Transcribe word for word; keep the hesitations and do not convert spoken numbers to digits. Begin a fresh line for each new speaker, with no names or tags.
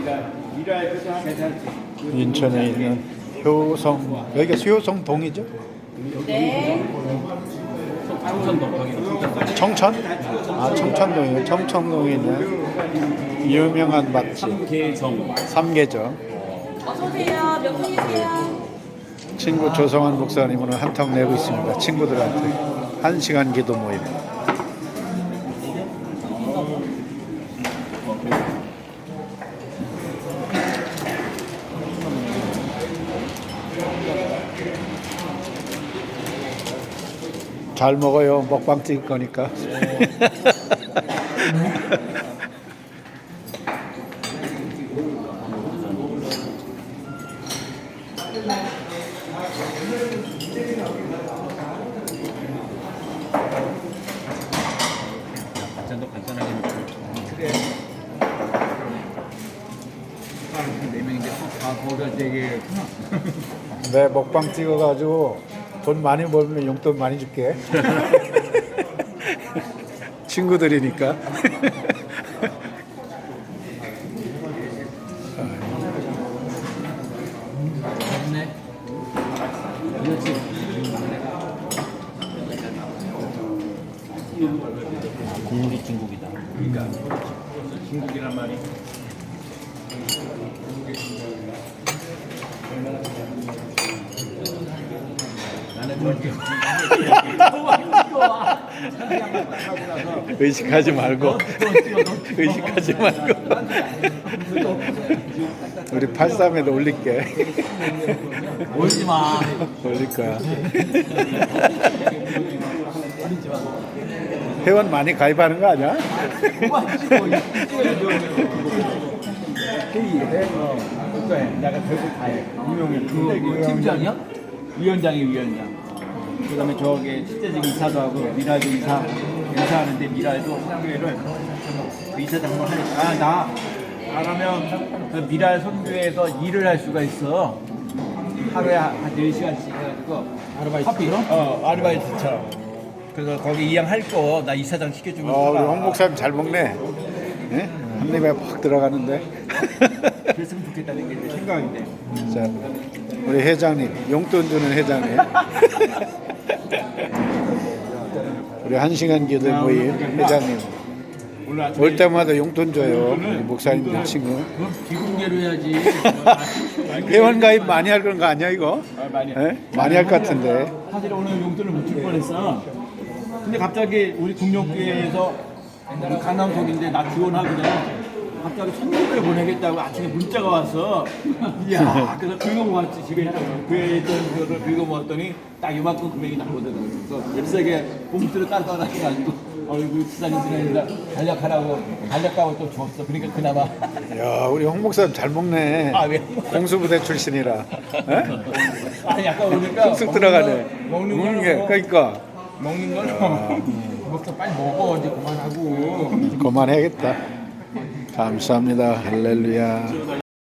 인천에 있는 효성, 여기가 효성 동이죠?
네.
청천? 아, 청천동이에요. 청천동에 있는 유명한 맛집
삼계정.
삼계정.
어서오세요. 몇 분이세요?
친구 조성환 목사님은 한턱 내고 있습니다. 친구들한테 한 시간 기도 모임. 잘 먹어요. 먹방 찍을 거니까.
반찬도 간단하게 먹고.
그래. 네 명인데 다 거기가 되게
내 먹방 찍어가지고 돈 많이 벌면 용돈 많이 줄게. 친구들이니까.
좋네. 그렇지.
국물이 중국이다.
그러니까 중국이란 말이. 나는 저기
의식하지 말고. 의식하지 말고. 우리 팔십삼에도 올릴게.
올지 마.
올릴 거야. 회원 많이 가입하는 거 아니야?
회의해. 그거해. 내가 결국 다 해. 유명해. 그 팀장이야? 위원장이 위원장. 그다음에 저기 실제직 이사도 하고 미라도 이사 인사하는데 미라도 선교회를 그 이사장을 하니까 아, 나 나라면 그 미라 선교회에서 일을 할 수가 있어. 하루에 한 네 시간씩 해가지고 아르바이트로? 어 아르바이트처럼. 그래서 거기 이양 할 거 나 이사장 시켜주면
어, 우리
살아.
홍 목사님 잘 먹네. 예? 한 입에 팍 들어가는데.
그랬으면 좋겠다는 게 내 생각인데.
자, 우리 회장님, 용돈 주는 회장님. 우리 한 시간 기도 모임 회장님.
오늘 아침에
올 때마다 용돈 줘요. 우리 목사님들 친구.
그럼 비공개로 해야지.
회원 가입 많이 할 그런 거 아니야 이거?
아, 많이.
예? 많이 할 것 같은데.
사실 오늘 용돈을 못 줄 뻔했어. 근데 갑자기 우리 국력교회에서 우리 강남석인데 나 지원하거든. 갑자기 천육백을 보내겠다고 아침에 문자가 왔어. 이야, 그래서 긁어모았지. 집에 교회에 있던 거를 긁어모았더니 딱 이만큼 금액이 나거든. 그래서 잽싸게 봉투를 따라가가지고 어이구 지사님 지나니까 간략하라고 간략가고 또 줬어. 그러니까 그나마
야, 우리 홍 목사님 잘 먹네.
아, 왜?
공수부대 출신이라. 예?
아니 약간 오니까
쑥쑥 들어가네.
먹는
먹는
거
게 그러니까
먹는 걸 먹자 빨리 먹어 이제 그만하고.
그만해야겠다. 감사합니다. 할렐루야.